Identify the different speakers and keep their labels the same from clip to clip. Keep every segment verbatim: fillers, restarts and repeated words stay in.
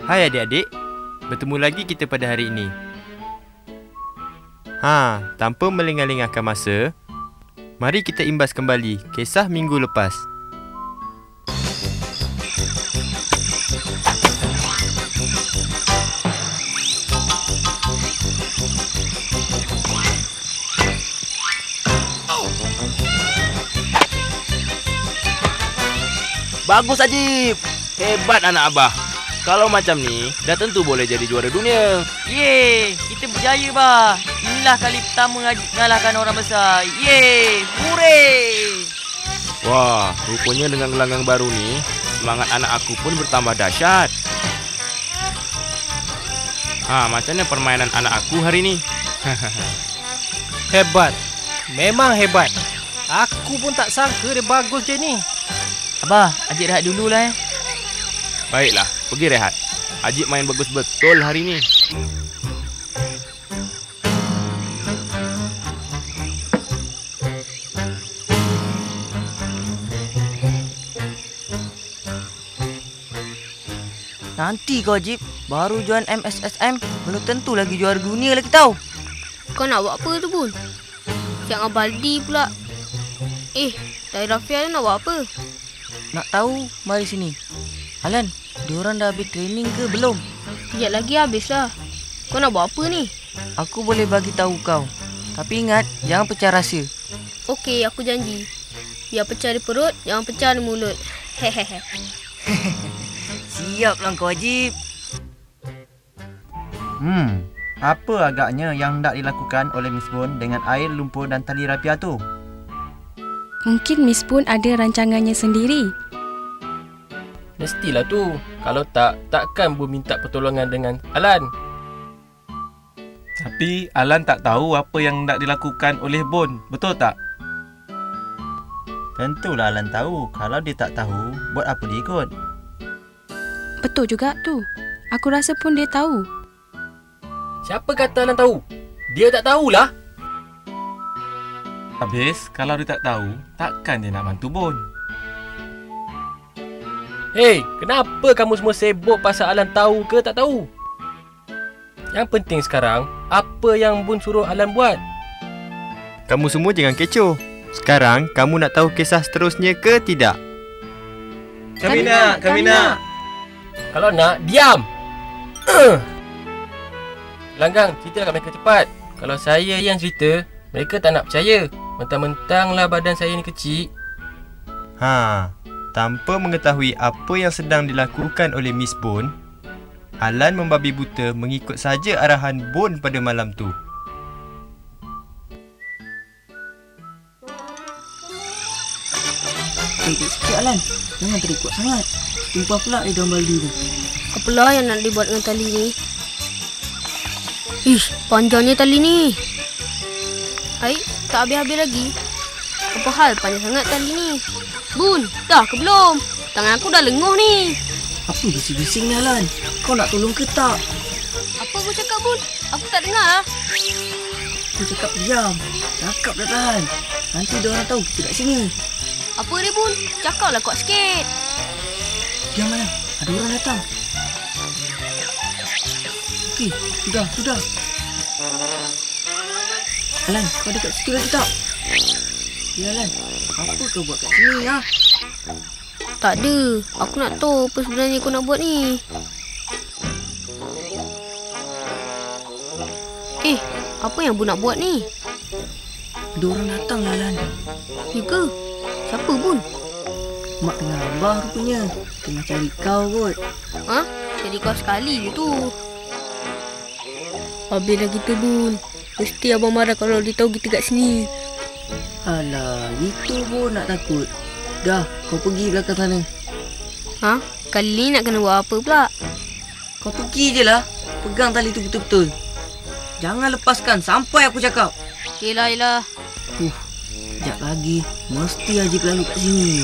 Speaker 1: Hai adik-adik, bertemu lagi kita pada hari ini. Ha, tanpa melengah-lengahkan masa, mari kita imbas kembali kisah minggu lepas.
Speaker 2: Bagus Ajib. Hebat anak abah. Kalau macam ni, dah tentu boleh jadi juara dunia.
Speaker 3: Yeay, kita berjaya bah. Inilah kali pertama Ajib mengalahkan orang besar. Yeay, hooray.
Speaker 2: Wah, rupanya dengan gelanggang baru ni, semangat anak aku pun bertambah dahsyat. Ha, macam mana permainan anak aku hari ni?
Speaker 4: Hebat. Memang hebat. Aku pun tak sangka dia bagus je ni.
Speaker 3: Abah, Ajib rehat dululah eh.
Speaker 2: Baiklah, pergi rehat. Ajib main bagus betul hari ni.
Speaker 3: Nanti kau Ajib, baru join M S S M, belum tentu lagi juara dunia lagi tau.
Speaker 5: Kau nak buat apa tu Bun? Siang Abaldi pula. Eh, Dari Rafia nak buat apa?
Speaker 3: Nak tahu, mari sini. Alan, diorang dah habis training ke belum?
Speaker 5: Sekejap lagi habislah. Kau nak buat apa ni?
Speaker 3: Aku boleh bagi tahu kau. Tapi ingat, jangan pecah rahsia.
Speaker 5: Okey, aku janji. Biar pecah di perut, jangan pecah di mulut. Hehehe.
Speaker 3: Siaplah kau Ajib.
Speaker 6: Hmm, apa agaknya yang hendak dilakukan oleh Miss Bun dengan air, lumpur dan tali rapia tu?
Speaker 7: Mungkin Miss Bun ada rancangannya sendiri.
Speaker 4: Mestilah tu. Kalau tak, takkan Bun minta pertolongan dengan Alan.
Speaker 8: Tapi Alan tak tahu apa yang hendak dilakukan oleh Bun. Betul tak?
Speaker 6: Tentulah Alan tahu. Kalau dia tak tahu, buat apa dia ikut?
Speaker 7: Betul juga tu. Aku rasa pun dia tahu.
Speaker 4: Siapa kata Alan tahu? Dia tak tahulah.
Speaker 8: Habis, kalau dia tak tahu, takkan dia nak bantu Bun.
Speaker 4: Hei, kenapa kamu semua sibuk pasal Alan tahu ke tak tahu? Yang penting sekarang, apa yang Bun suruh Alan buat?
Speaker 1: Kamu semua jangan kecoh. Sekarang, kamu nak tahu kisah seterusnya ke tidak?
Speaker 8: Kami nak, kami nak.
Speaker 4: Kalau nak, diam! Langgang, ceritalah kat mereka cepat. Kalau saya yang cerita, mereka tak nak percaya. Mentang-mentanglah badan saya ni kecil.
Speaker 1: Ha, tanpa mengetahui apa yang sedang dilakukan oleh Miss Bun, Alan membabi buta mengikut saja arahan Bun pada malam tu.
Speaker 3: Baik sikit Alan, jangan terikut sangat. Tumpah pula di dalam baldi tu.
Speaker 5: Apalah yang nak dibuat dengan tali ni? Ish, panjangnya tali ni. Hai, tak habis-habis lagi. Apa hal panjang sangat tali ni? Bun, dah ke belum? Tangan aku dah lenguh ni.
Speaker 3: Apa bising-bising ni Alan? Kau nak tolong ke tak?
Speaker 5: Apa kau cakap Bun? Aku tak dengar lah.
Speaker 3: Aku cakap diam. Cakap dah tahan. Nanti diorang tahu kita kat sini.
Speaker 5: Apa ni Bun? Cakaplah kuat sikit.
Speaker 3: Diam Alan, ada orang datang. Okey, sudah, sudah. Alan, kau dekat situ lagi tak? Ya Alan, apa kau buat kat sini ya?
Speaker 5: Tak ada. Aku nak tahu apa sebenarnya kau nak buat ni. Eh, apa yang Bun nak buat ni?
Speaker 3: Ada orang datang lah Alan.
Speaker 5: Ya ke? Siapa Bun?
Speaker 3: Mak dengan Abah rupanya. Tengah cari kau kot.
Speaker 5: Ha? Jadi kau sekali je tu. Habislah kita Bun. Mesti Abang marah kalau dia tahu kita kat sini.
Speaker 3: Alah, itu pun nak takut. Dah, kau pergi belakang sana.
Speaker 5: Ha? Kali ni nak kena buat apa pula?
Speaker 3: Kau pergi je lah. Pegang tali tu betul-betul. Jangan lepaskan sampai aku cakap.
Speaker 5: Yelah, yelah.
Speaker 3: Uh, sekejap lagi. Mesti Ajib lalu kat sini.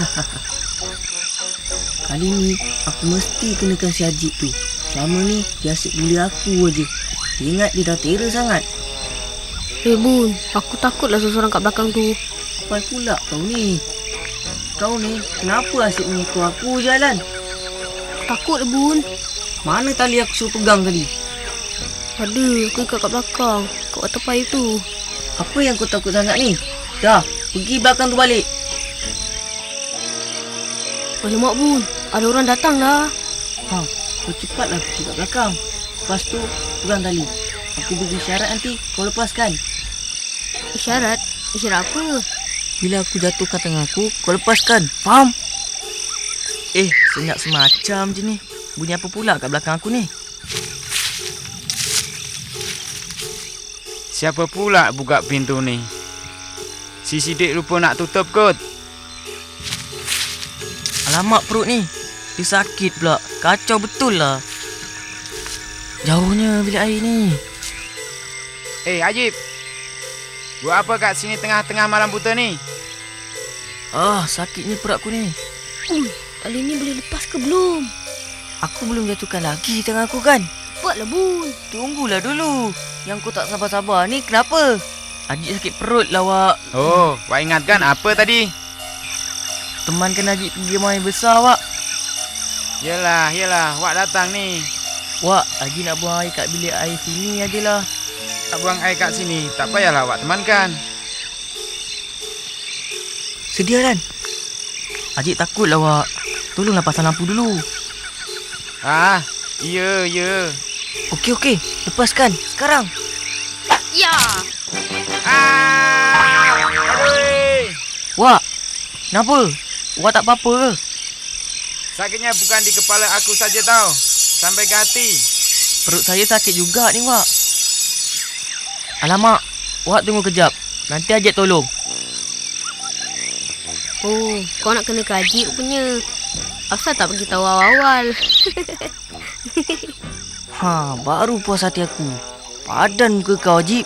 Speaker 3: Kali ni, aku mesti kenakan si Ajib tu. Selama ni, dia asyik bully aku aje. Dia ingat dia dah terror sangat.
Speaker 5: Eh Bun, aku takutlah seseorang kat belakang tu.
Speaker 3: Apa pula kau ni? Kau ni kenapa asyik mengikut aku je Alan?
Speaker 5: Takut Bun.
Speaker 3: Mana tali aku suruh pegang tadi?
Speaker 5: Ada, aku ikat kat belakang. Kat water pipe tu.
Speaker 3: Apa yang kau takut sangat ni? Dah, pergi belakang tu balik.
Speaker 5: Alamak Bun, ada orang datang lah.
Speaker 3: Ha, kau cepatlah pergi kat belakang. Lepas tu, pegang tali. Aku beri isyarat nanti, kau lepaskan.
Speaker 5: Isyarat? Isyarat apa?
Speaker 3: Bila aku jatuhkan tangan aku, kau lepaskan. Faham?
Speaker 6: Eh, senyap semacam je ni. Bunyi apa pula kat belakang aku ni?
Speaker 9: Siapa pula buka pintu ni? Si Sidik lupa nak tutup kot.
Speaker 6: Alamak perut ni. Dia sakit pula. Kacau betul lah. Jauhnya bilik air ni.
Speaker 9: Eh, Ajib. Buat apa kat sini tengah-tengah malam buta ni?
Speaker 6: Ah, sakitnya perut aku ni.
Speaker 5: Ui, tali ni boleh lepas ke belum?
Speaker 3: Aku belum jatuhkan lagi tangan aku kan?
Speaker 5: Cepatlah Bun.
Speaker 3: Tunggulah dulu. Yang kau tak sabar-sabar ni kenapa?
Speaker 6: Ajik sakit perut lah, Wak.
Speaker 9: Oh, Wak ingatkan apa tadi?
Speaker 6: Temankan Ajik pergi buang air besar, Wak.
Speaker 9: Yelah, yelah, Wak datang ni.
Speaker 6: Wak, Ajik nak buang air kat bilik air sini ajalah.
Speaker 9: Tak buang air kat sini, tak payahlah Wak temankan.
Speaker 3: Sedia kan?
Speaker 6: Ajik takut lah, Wak. Tolonglah pasang lampu dulu.
Speaker 9: Ah, ya, ya.
Speaker 3: Okey, okey. Lepaskan. Sekarang.
Speaker 5: Ya.
Speaker 9: Ah! Aduh!
Speaker 6: Wak, kenapa? Wak tak apa-apa ke?
Speaker 9: Sakitnya bukan di kepala aku saja tau. Sampai ke hati.
Speaker 6: Perut saya sakit juga ni, Wak. Alamak, Wak tunggu kejap. Nanti Ajik tolong.
Speaker 5: Oh, kau nak kena kaji rupanya. Asal tak bagi tahu awal-awal.
Speaker 3: Ha, baru puas hati aku. Padan muka kau, Ajib.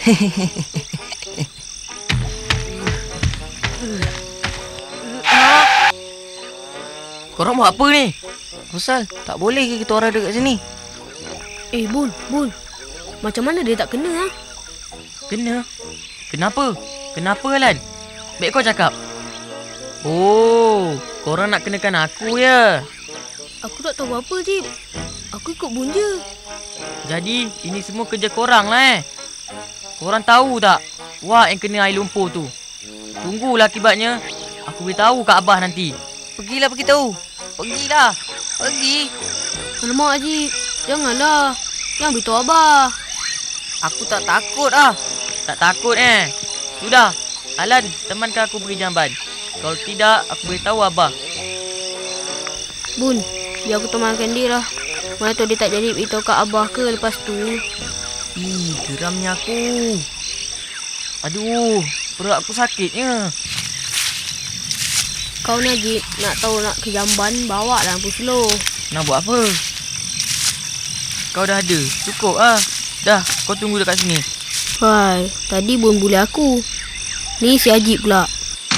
Speaker 6: Korang buat apa ni? Rosal, tak boleh ke kita orang dekat sini?
Speaker 5: Eh Bun, Bun. Macam mana dia tak kena ha?
Speaker 6: Kena? Kenapa? Kenapa, Alan? Baik kau cakap. Oh, korang nak kenakan aku ya?
Speaker 5: Aku tak tahu apa Jib. Aku ikut Bun je.
Speaker 6: Jadi, ini semua kerja korang lah eh? Korang tahu tak? Wak yang kena air lumpur tu. Tunggulah akibatnya. Aku beritahu kat Abah nanti.
Speaker 3: Pergilah beritahu. Pergilah. Pergi.
Speaker 5: Alamak Jib. Janganlah. Jangan beritahu Abah.
Speaker 3: Aku tak takut ah.
Speaker 6: Tak takut eh? Sudah. Alan, temankan aku pergi jamban. Kalau tidak, aku beritahu Abah.
Speaker 5: Bun, biar aku temankan dia lah. Mana tahu dia tak jadi beritahu kat Abah ke lepas tu.
Speaker 6: Ih, geramnya aku. Aduh, perut aku sakitnya.
Speaker 5: Kau ni Jib, nak tahu nak ke jamban, bawa lah lampu slow.
Speaker 6: Nak buat apa? Kau dah ada. Cukup ah. Dah, kau tunggu dekat sini.
Speaker 5: Hai, tadi Bun bully aku. Ni si Ajib pula.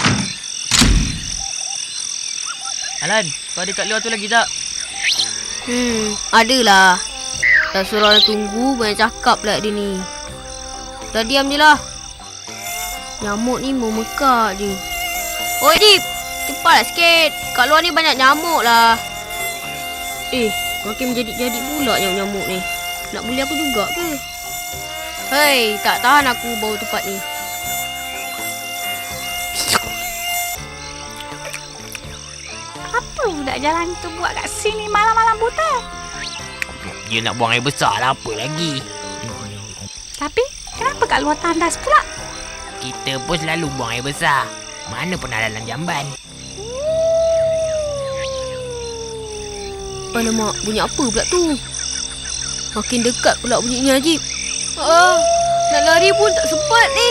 Speaker 6: Alan, kau ada kat luar tu lagi tak?
Speaker 5: Hmm, adalah. Dah suruh orang tunggu, banyak cakap pula dia ni. Dah diam je lah. Nyamuk ni mau mekak je. Oi Dip, cepatlah sikit. Kat luar ni banyak nyamuk lah. Eh, makin menjadi-jadi pula nyamuk-nyamuk ni. Nak bully aku juga ke? Hei, tak tahan aku bau tempat ni.
Speaker 10: Apa budak jalan tu buat kat sini malam-malam buta?
Speaker 2: Dia nak buang air besar lah, apa lagi?
Speaker 10: Tapi, kenapa kat luar tandas pula?
Speaker 2: Kita pun selalu buang air besar. Mana pernah dalam jamban.
Speaker 5: Alamak, bunyi apa pula tu? Makin dekat pula bunyi ni Ajib. Ah, nak lari pun tak sempat ni.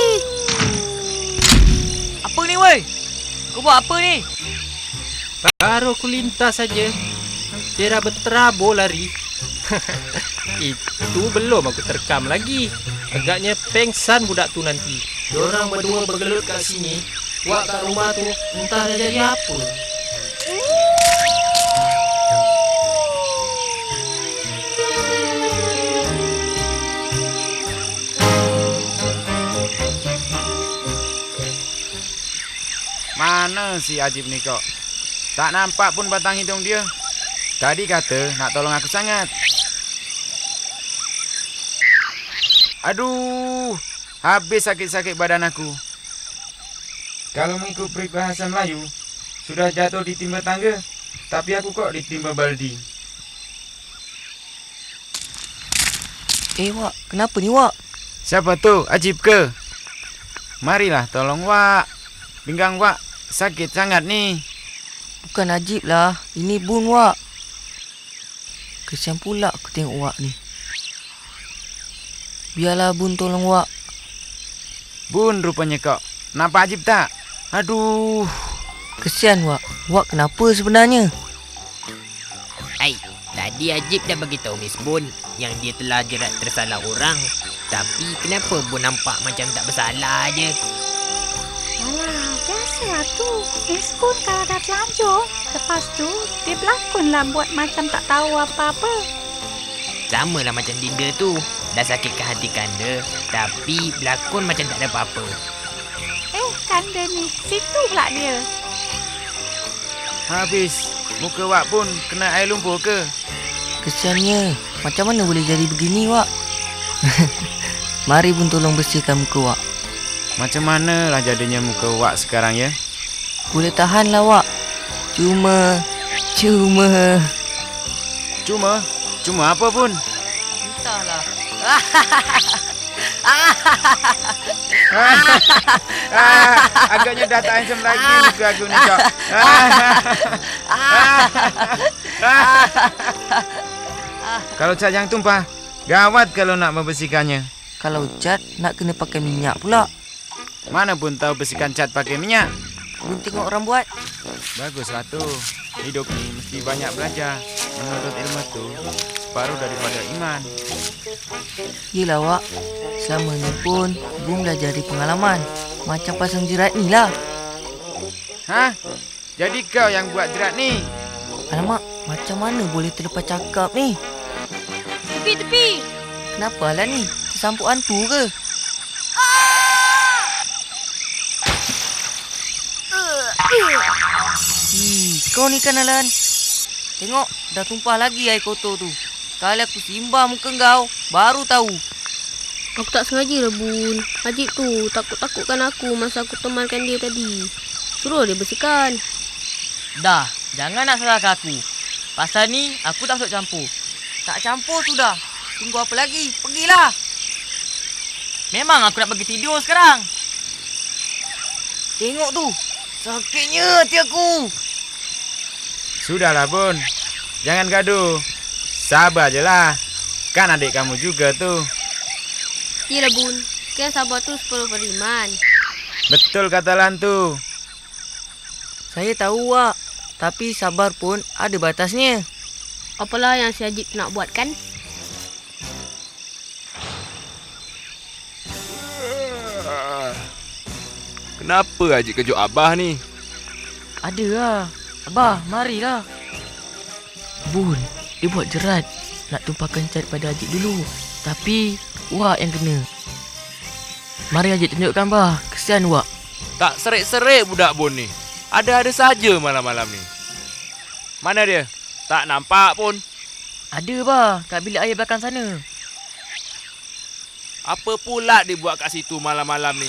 Speaker 6: Apa ni weh? Kau buat apa ni?
Speaker 4: Baru aku lintas saja. Dia dah berterabur lari. Itu belum aku terkam lagi. Agaknya pengsan budak tu nanti. Diorang berdua bergelut kat sini. Wak kat rumah tu entah dah jadi apa.
Speaker 9: Mana si Ajib ni kok? Tak nampak pun batang hidung dia. Tadi kata nak tolong aku sangat. Aduh, habis sakit-sakit badan aku. Kalau mengikut peribahasa Melayu, sudah jatuh ditimba tangga, tapi aku kok ditimba baldi.
Speaker 3: Eh, Wak. Kenapa ni, Wak?
Speaker 9: Siapa tu? Ajib ke? Marilah tolong, Wak. Pinggang Wak sakit sangat ni.
Speaker 3: Bukan Ajib lah. Ini Bun, Wak. Kesian pula aku tengok Wak ni. Biarlah Bun tolong Wak.
Speaker 9: Bun rupanya kau. Nampak Ajib tak? Aduh.
Speaker 3: Kesian Wak. Wak kenapa sebenarnya?
Speaker 11: Hai, tadi Ajib dah beritahu Miss Bun yang dia telah jerat tersalah orang. Tapi kenapa Bun nampak macam tak bersalah je?
Speaker 10: Alah, biasalah tu. Miss Bun kalau dah telanjur, lepas tu dia berlakonlah buat macam tak tahu apa-apa.
Speaker 11: Sama lah macam Dinda tu. Dah sakitkan hati Kanda, tapi berlakon macam tak ada apa-apa.
Speaker 10: Eh, Kanda ni, situ pula dia.
Speaker 9: Habis. Muka Wak pun kena air lumpur ke?
Speaker 3: Kesiannya. Macam mana boleh jadi begini, Wak? Mari Bun tolong bersihkan muka Wak.
Speaker 9: Macam manalah jadinya muka Wak sekarang ya?
Speaker 3: Boleh tahanlah, Wak. Cuma... Cuma...
Speaker 9: Cuma? Cuma apa pun?
Speaker 6: Entahlah.
Speaker 9: ah, agaknya dah tak handsome lagi muka aku ni, Cok. Kalau cat yang tumpah, gawat kalau nak membersihkannya.
Speaker 3: Kalau cat, nak kena pakai minyak pula.
Speaker 9: Mana pun tahu bersihkan cat pakai minyak.
Speaker 3: Bun tengok orang buat.
Speaker 9: Baguslah tu. Hidup ni mesti banyak belajar. Menurut ilmu tu, separuh daripada iman.
Speaker 3: Yelah, Wak. Selama ni pun, Bun belajar dari pengalaman. Macam pasang jerat ni lah.
Speaker 9: Hah? Jadi kau yang buat jerat ni?
Speaker 3: Alamak, macam mana boleh terlepas cakap ni?
Speaker 5: Tepi, tepi.
Speaker 3: Kenapa Alan ni? Tersampuk hantu ke? Ih, kau ni kan Alan. Tengok, dah tumpah lagi air kotor tu. Sekali aku simbah muka kau, baru tahu.
Speaker 5: Aku tak sengaja lah, Bun. Ajib tu takut-takutkan aku masa aku temankan dia tadi. Suruh dia bersihkan.
Speaker 6: Dah, jangan nak salahkan aku. Pasal ni, aku tak masuk campur. Tak campur sudah. Tunggu apa lagi? Pergilah. Memang aku nak pergi tidur sekarang.
Speaker 3: Tengok tu. Sakitnya hati aku.
Speaker 9: Sudahlah, Bun. Jangan gaduh. Sabar je lah. Kan adik kamu juga tu.
Speaker 5: Yelah, Bun. Kan sabar tu separuh beriman.
Speaker 9: Betul kata Lan tu.
Speaker 3: Saya tahu, Wak. Tapi sabar pun ada batasnya.
Speaker 5: Apalah yang si Ajib nak buat kan?
Speaker 2: Kenapa Ajib kejut Abah ni?
Speaker 6: Ada lah. Abah, marilah.
Speaker 3: Bun, dia buat jerat. Nak tumpahkan cat pada Ajib dulu. Tapi, Wak yang kena. Mari Ajib tunjukkan, Bah. Kesian Wak.
Speaker 2: Tak serik-serik budak Bun ni. Ada-ada saja malam-malam ni. Mana dia? Tak nampak pun.
Speaker 6: Ada, Bah. Kat bilik air belakang sana.
Speaker 2: Apa pula dia buat kat situ malam-malam ni?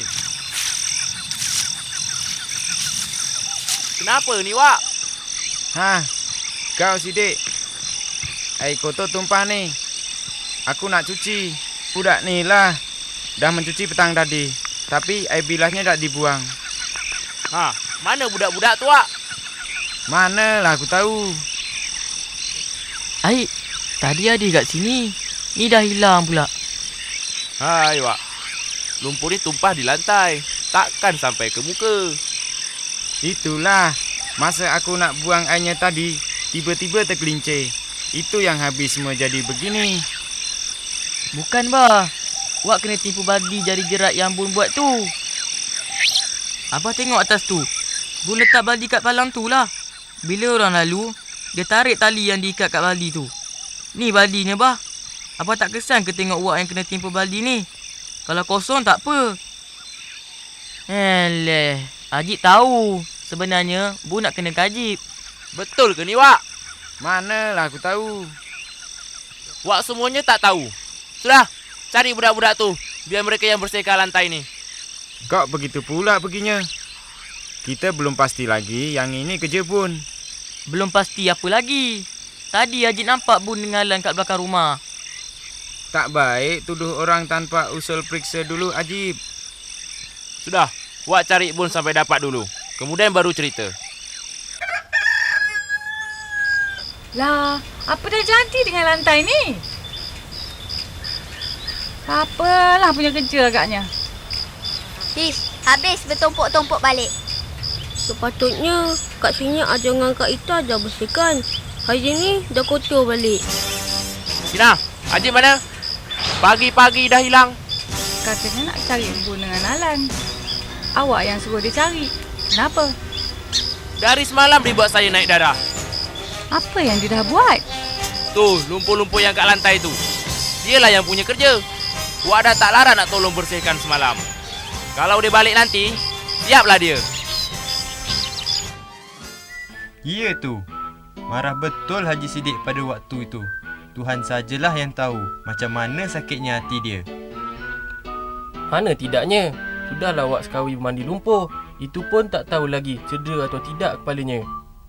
Speaker 2: Kenapa ni, Wak?
Speaker 9: Ha, kau sidik. Air kotor tumpah ni. Aku nak cuci. Budak ni lah. Dah mencuci petang tadi. Tapi air bilasnya tak dibuang.
Speaker 2: Ha, mana budak-budak tu, Wak?
Speaker 9: Manalah aku tahu.
Speaker 6: Air, tadi ada kat sini. Ni dah hilang pula.
Speaker 2: Hai, Wak. Lumpur ni tumpah di lantai. Takkan sampai ke muka.
Speaker 9: Itulah. Masa aku nak buang airnya tadi, tiba-tiba tergelincir. Itu yang habis semua jadi begini.
Speaker 6: Bukan, Bah. Wak kena tipu baldi jari jerat yang Bun buat tu. Abah tengok atas tu. Bun letak baldi kat palang tu lah. Bila orang lalu, dia tarik tali yang diikat kat baldi tu. Ni baldinya, Bah. Abah tak kesan ke tengok Wak yang kena tipu baldi ni? Kalau kosong tak apa. Eleh, Ajib tahu. Sebenarnya, Bun nak kena Ajib.
Speaker 2: Betul ke ni, Wak?
Speaker 9: Manalah aku tahu.
Speaker 2: Wak semuanya tak tahu. Sudah, cari budak-budak tu. Biar mereka yang bersihkan lantai ni.
Speaker 9: Kok begitu pula perginya? Kita belum pasti lagi yang ini kerja Bun.
Speaker 6: Belum pasti apa lagi. Tadi Ajit nampak Bun dengan Alan kat belakang rumah.
Speaker 9: Tak baik tuduh orang tanpa usul periksa dulu, Ajib.
Speaker 2: Sudah, Wak cari Bun sampai dapat dulu. Kemudian baru cerita.
Speaker 10: Lah, apa dah jadi dengan lantai ni? Apalah punya kerja agaknya.
Speaker 5: Sis, habis bertumpuk-tumpuk balik. Sepatutnya Kak Sini ajar dengan Kak Ita ajar bersihkan. Hari ni dah kotor balik.
Speaker 2: Sina, Ajib mana? Pagi-pagi dah hilang.
Speaker 10: Katanya nak cari Bun dengan Alan. Awak yang suruh dia cari. Kenapa?
Speaker 2: Dari semalam dia buat saya naik darah.
Speaker 10: Apa yang dia dah buat?
Speaker 2: Tu, lumpur-lumpur yang kat lantai tu. Dialah yang punya kerja. Wak dah tak larang nak tolong bersihkan semalam. Kalau dia balik nanti, siaplah dia.
Speaker 1: Ya tu. Marah betul Haji Sidik pada waktu itu. Tuhan sajalah yang tahu macam mana sakitnya hati dia.
Speaker 4: Mana tidaknya. Sudahlah Wak sekali mandi lumpur. Itu pun tak tahu lagi cedera atau tidak kepalanya.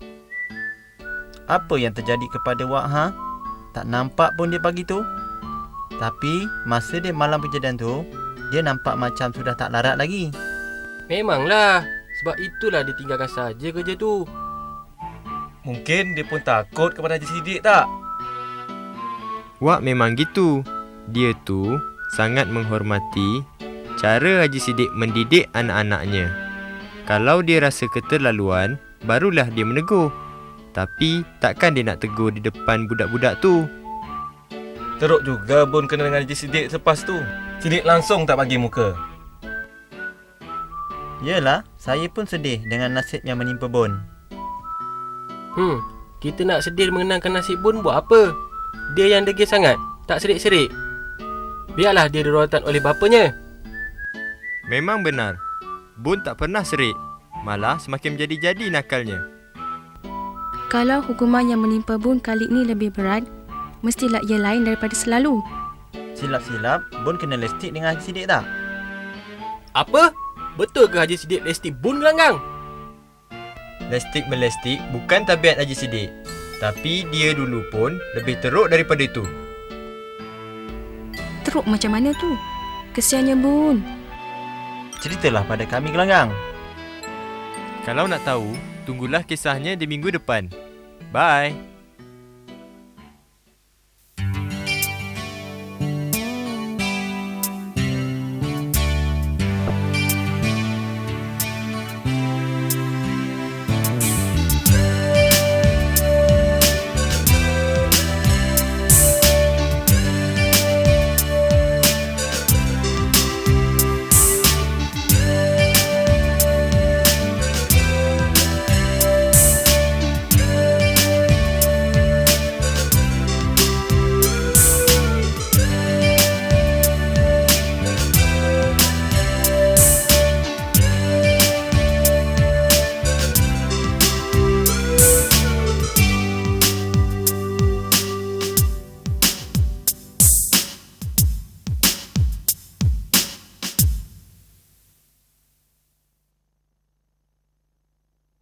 Speaker 12: Apa yang terjadi kepada Wak, ha? Tak nampak pun dia pagi tu. Tapi masa dia malam kejadian tu, dia nampak macam sudah tak larat lagi.
Speaker 4: Memanglah. Sebab itulah dia tinggalkan saja kerja tu.
Speaker 8: Mungkin dia pun takut kepada Haji Sidik tak?
Speaker 1: Wak memang gitu. Dia tu sangat menghormati cara Haji Sidik mendidik anak-anaknya. Kalau dia rasa keterlaluan, barulah dia menegur. Tapi takkan dia nak tegur di depan budak-budak tu.
Speaker 8: Teruk juga Bun kena dengan Haji Sidik selepas tu. Sidik langsung tak bagi muka.
Speaker 12: Yelah, saya pun sedih dengan nasib yang menimpa Bun.
Speaker 4: Hmm, kita nak sedih mengenangkan nasib Bun buat apa? Dia yang degil sangat, tak serik-serik. Biarlah dia dirawatan oleh bapanya.
Speaker 1: Memang benar. Bun tak pernah serik. Malah semakin menjadi-jadi nakalnya.
Speaker 7: Kalau hukuman yang menimpa Bun kali ini lebih berat, mestilah ia lain daripada selalu.
Speaker 12: Silap-silap, Bun kena lestik dengan Haji Sidik tak?
Speaker 4: Apa? Betul ke Haji Sidik lestik Bun gelanggang?
Speaker 1: Lestik melestik bukan tabiat Haji Sidik. Tapi dia dulu pun lebih teruk daripada itu.
Speaker 7: Teruk macam mana tu? Kesiannya Bun.
Speaker 12: Ceritalah pada kami gelanggang.
Speaker 1: Kalau nak tahu, tunggulah kisahnya di minggu depan. Bye.